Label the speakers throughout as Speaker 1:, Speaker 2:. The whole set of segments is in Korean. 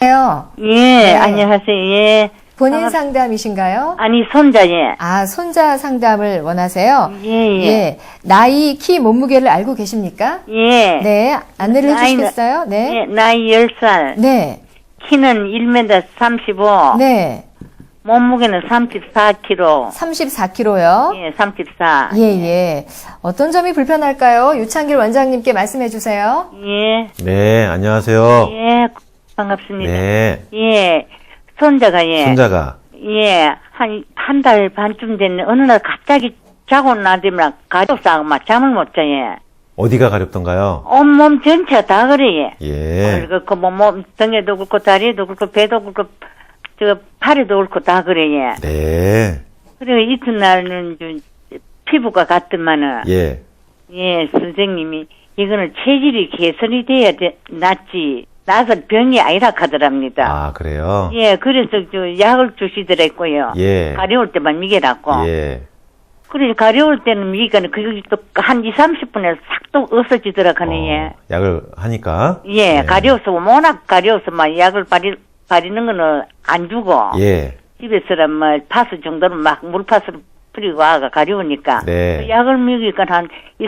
Speaker 1: 네.
Speaker 2: 안녕하세요. 예.
Speaker 1: 본인 상담이신가요?
Speaker 2: 아니, 손자, 예.
Speaker 1: 아, 손자 상담을 원하세요?
Speaker 2: 예.
Speaker 1: 나이, 키, 몸무게를 알고 계십니까?
Speaker 2: 예.
Speaker 1: 네. 안내를 해주시겠어요? 네.
Speaker 2: 예, 나이 10살.
Speaker 1: 네.
Speaker 2: 키는 1m 35.
Speaker 1: 네.
Speaker 2: 몸무게는 34kg.
Speaker 1: 34kg요?
Speaker 2: 예, 34.
Speaker 1: 예. 어떤 점이 불편할까요? 유창길 원장님께 말씀해 주세요.
Speaker 2: 예.
Speaker 3: 네, 안녕하세요.
Speaker 2: 예, 반갑습니다.
Speaker 3: 네.
Speaker 2: 예. 손자가, 예.
Speaker 3: 손자가.
Speaker 2: 예, 한 달 반쯤 됐네. 어느 날 갑자기 자고 나더니만 가족사고 막 잠을 못 자, 예.
Speaker 3: 어디가 가렵던가요?
Speaker 2: 온몸 전체가 다 그래, 예.
Speaker 3: 예.
Speaker 2: 그렇고, 몸, 등에도 그렇고, 다리에도 그렇고, 배도 그렇고, 팔에도 그렇고, 다 그래, 예.
Speaker 3: 네.
Speaker 2: 그리고 이튿날은 좀, 피부가 같더만은,
Speaker 3: 예.
Speaker 2: 예, 선생님이, 이거는 체질이 개선이 돼야 낫지, 나서 병이 아니라 하더랍니다.
Speaker 3: 아, 그래요?
Speaker 2: 예, 그래서 약을 주시더랬고요.
Speaker 3: 예.
Speaker 2: 가려울 때만 미개라고.
Speaker 3: 예.
Speaker 2: 그래, 가려울 때는 미개는 그게 또 한 20-30분에 싹 또 없어지더라, 하네, 예.
Speaker 3: 약을 하니까.
Speaker 2: 예,
Speaker 3: 네.
Speaker 2: 가려워서, 워낙 가려워서 막 약을 바리는 거는 안 주고.
Speaker 3: 예.
Speaker 2: 집에서는 뭐, 파스 정도는 막 물파스를 뿌리고 와가 가려우니까.
Speaker 3: 네.
Speaker 2: 그 약을 먹이니까 한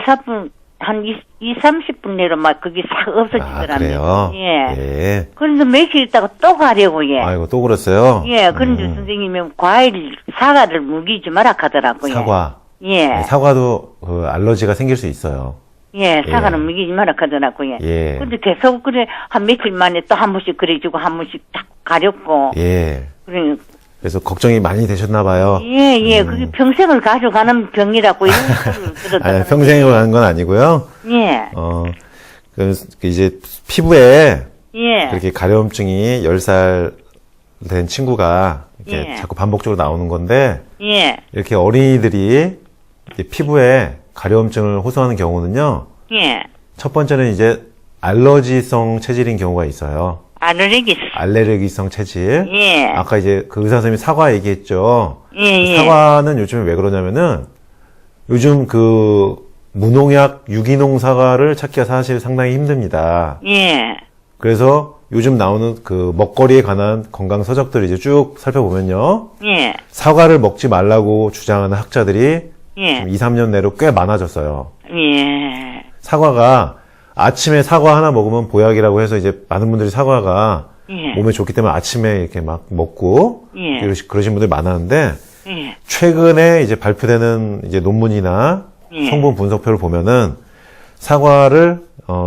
Speaker 2: 20-30분 내로 막 그게 싹
Speaker 3: 아,
Speaker 2: 없어지더랍니다.
Speaker 3: 그래요?
Speaker 2: 예.
Speaker 3: 예.
Speaker 2: 그런데 며칠 있다가 또 가려고, 예.
Speaker 3: 아이고, 또 그랬어요?
Speaker 2: 예, 그런데 선생님이 사과를 먹이지 마라 하더라고요.
Speaker 3: 사과.
Speaker 2: 예.
Speaker 3: 네, 사과도 그 알러지가 생길 수 있어요.
Speaker 2: 예, 사과는
Speaker 3: 예.
Speaker 2: 먹이지 마라 하더라고요.
Speaker 3: 예.
Speaker 2: 근데 계속 그래, 한 며칠 만에 또 한 번씩 그래주고 한 번씩 딱 가렵고.
Speaker 3: 예.
Speaker 2: 그래.
Speaker 3: 그래서 걱정이 많이 되셨나봐요.
Speaker 2: 예. 그게 평생을 가져가는 병이라고 이런 소리를 들었다.
Speaker 3: 평생으로 하는 건 아니고요.
Speaker 2: 예.
Speaker 3: 이제 피부에
Speaker 2: 예.
Speaker 3: 그렇게 가려움증이 10살 된 친구가 이렇게
Speaker 2: 예.
Speaker 3: 자꾸 반복적으로 나오는 건데,
Speaker 2: 예.
Speaker 3: 이렇게 어린이들이 이제 피부에 가려움증을 호소하는 경우는요,
Speaker 2: 예.
Speaker 3: 첫 번째는 이제 알러지성 체질인 경우가 있어요. 알레르기성 체질.
Speaker 2: 예.
Speaker 3: 아까 이제 그 의사 선생님이 사과 얘기했죠.
Speaker 2: 예.
Speaker 3: 사과는 요즘에 왜 그러냐면은, 요즘 그 무농약 유기농 사과를 찾기가 사실 상당히 힘듭니다.
Speaker 2: 예.
Speaker 3: 그래서 요즘 나오는 그 먹거리에 관한 건강 서적들을 이제 쭉 살펴보면요.
Speaker 2: 예.
Speaker 3: 사과를 먹지 말라고 주장하는 학자들이
Speaker 2: 예.
Speaker 3: 2, 3년 내로 꽤 많아졌어요.
Speaker 2: 예.
Speaker 3: 사과가 아침에 사과 하나 먹으면 보약이라고 해서 이제 많은 분들이 사과가
Speaker 2: 예.
Speaker 3: 몸에 좋기 때문에 아침에 이렇게 막 먹고
Speaker 2: 예.
Speaker 3: 그러신 분들이 많았는데
Speaker 2: 예.
Speaker 3: 최근에 이제 발표되는 이제 논문이나
Speaker 2: 예.
Speaker 3: 성분 분석표를 보면은 사과를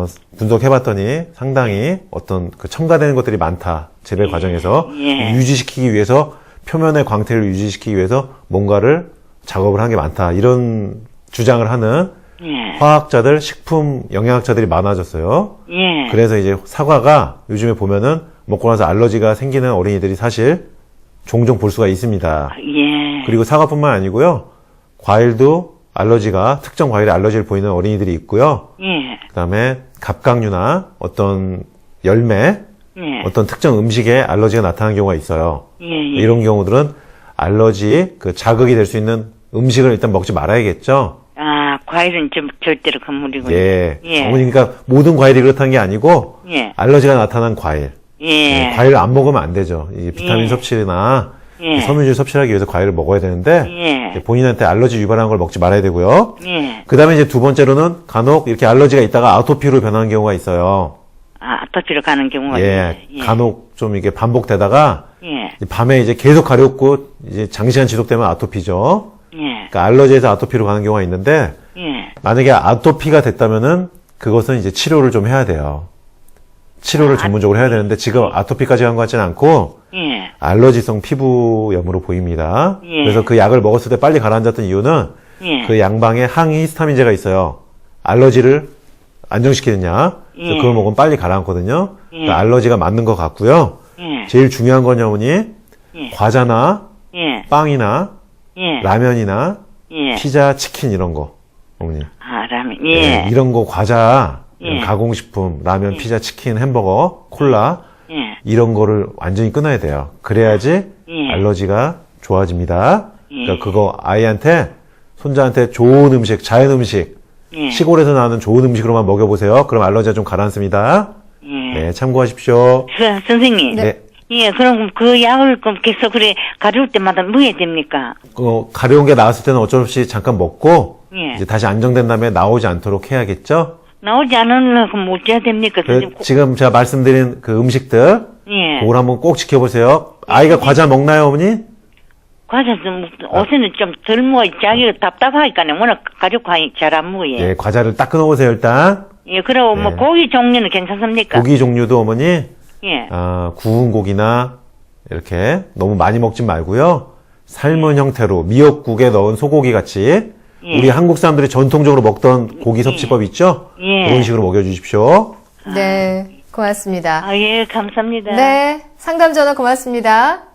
Speaker 3: 분석해봤더니 상당히 어떤 그 첨가되는 것들이 많다. 재배 과정에서
Speaker 2: 예.
Speaker 3: 유지시키기 위해서 표면의 광택을 유지시키기 위해서 뭔가를 작업을 한 게 많다. 이런 주장을 하는
Speaker 2: 예.
Speaker 3: 화학자들, 식품 영양학자들이 많아졌어요.
Speaker 2: 예.
Speaker 3: 그래서 이제 사과가 요즘에 보면은 먹고 나서 알러지가 생기는 어린이들이 사실 종종 볼 수가 있습니다.
Speaker 2: 예.
Speaker 3: 그리고 사과뿐만 아니고요. 과일도 특정 과일에 알러지를 보이는 어린이들이 있고요.
Speaker 2: 예.
Speaker 3: 그다음에 갑각류나 어떤 열매,
Speaker 2: 예.
Speaker 3: 어떤 특정 음식에 알러지가 나타나는 경우가 있어요.
Speaker 2: 예.
Speaker 3: 이런 경우들은 알러지 자극이 될 수 있는 음식을 일단 먹지 말아야겠죠.
Speaker 2: 아, 과일은 좀 절대로 건물이군요.
Speaker 3: 예.
Speaker 2: 예.
Speaker 3: 어머니 그러니까 모든 과일이 그렇다는 게 아니고
Speaker 2: 예.
Speaker 3: 알러지가 나타난 과일.
Speaker 2: 예.
Speaker 3: 과일을 안 먹으면 안 되죠. 이 비타민
Speaker 2: 예.
Speaker 3: 섭취나
Speaker 2: 예.
Speaker 3: 섬유질 섭취를 하기 위해서 과일을 먹어야 되는데
Speaker 2: 예.
Speaker 3: 본인한테 알러지 유발하는 걸 먹지 말아야 되고요.
Speaker 2: 예.
Speaker 3: 그 다음에 이제 두 번째로는 간혹 이렇게 알러지가 있다가 아토피로 변하는 경우가 있어요.
Speaker 2: 아, 아토피로 가는 경우가
Speaker 3: 예.
Speaker 2: 있네.
Speaker 3: 간혹 좀 이게 반복되다가
Speaker 2: 예.
Speaker 3: 밤에 이제 계속 가렵고 이제 장시간 지속되면 아토피죠.
Speaker 2: 예.
Speaker 3: 그러니까 알러지에서 아토피로 가는 경우가 있는데
Speaker 2: 예.
Speaker 3: 만약에 아토피가 됐다면은 그것은 이제 치료를 좀 해야 돼요. 치료를 전문적으로 해야 되는데 지금 아토피까지 간 것 같지는 않고
Speaker 2: 예.
Speaker 3: 알러지성 피부염으로 보입니다.
Speaker 2: 예.
Speaker 3: 그래서 그 약을 먹었을 때 빨리 가라앉았던 이유는
Speaker 2: 예.
Speaker 3: 그 양방에 항히스타민제가 있어요. 알러지를 안정시키는 약. 그래서
Speaker 2: 예.
Speaker 3: 그걸 먹으면 빨리 가라앉거든요.
Speaker 2: 예.
Speaker 3: 그러니까 알러지가 맞는 것 같고요.
Speaker 2: 예.
Speaker 3: 제일 중요한 건 어머니
Speaker 2: 예.
Speaker 3: 과자나
Speaker 2: 예.
Speaker 3: 빵이나
Speaker 2: 예.
Speaker 3: 라면이나
Speaker 2: 예.
Speaker 3: 피자, 치킨 이런 거 어머니.
Speaker 2: 아, 라면. 예.
Speaker 3: 이런 거 과자, 이런
Speaker 2: 예.
Speaker 3: 가공식품, 라면, 피자, 치킨, 햄버거, 콜라
Speaker 2: 예.
Speaker 3: 이런 거를 완전히 끊어야 돼요. 그래야지
Speaker 2: 예.
Speaker 3: 알러지가 좋아집니다.
Speaker 2: 예.
Speaker 3: 그러니까 그거 아이한테 손자한테 좋은 음식, 자연 음식,
Speaker 2: 예.
Speaker 3: 시골에서 나오는 좋은 음식으로만 먹여보세요. 그럼 알러지가 좀 가라앉습니다.
Speaker 2: 예.
Speaker 3: 네, 참고하십시오.
Speaker 2: 선생님.
Speaker 3: 네.
Speaker 2: 예, 그럼 그 약을 계속 그래 가져올 때마다 먹어야 됩니까?
Speaker 3: 가려운 게 나왔을 때는 어쩔 수 없이 잠깐 먹고
Speaker 2: 예.
Speaker 3: 이제 다시 안정된 다음에 나오지 않도록 해야겠죠?
Speaker 2: 나오지 않으려고 뭐 어찌해야 됩니까? 선생님?
Speaker 3: 지금 제가 말씀드린 그 음식들
Speaker 2: 예.
Speaker 3: 그걸 한번 꼭 지켜보세요. 아이가 과자 먹나요, 어머니?
Speaker 2: 과자 좀 옷에는 좀 덜 먹어. 자기가 답답하니까요. 워낙 가족 잘 안 먹어요.
Speaker 3: 예, 과자를 딱 끊어보세요, 일단.
Speaker 2: 예, 그리고 뭐
Speaker 3: 예.
Speaker 2: 고기 종류는 괜찮습니까?
Speaker 3: 고기 종류도 어머니,
Speaker 2: 예.
Speaker 3: 구운 고기나 이렇게 너무 많이 먹지 말고요. 삶은 형태로 미역국에 넣은 소고기 같이
Speaker 2: 예.
Speaker 3: 우리 한국 사람들이 전통적으로 먹던 고기 섭취법 있죠?
Speaker 2: 예.
Speaker 3: 그런 식으로 먹여주십시오.
Speaker 1: 네, 고맙습니다.
Speaker 2: 아, 예, 감사합니다.
Speaker 1: 네, 상담 전화 고맙습니다.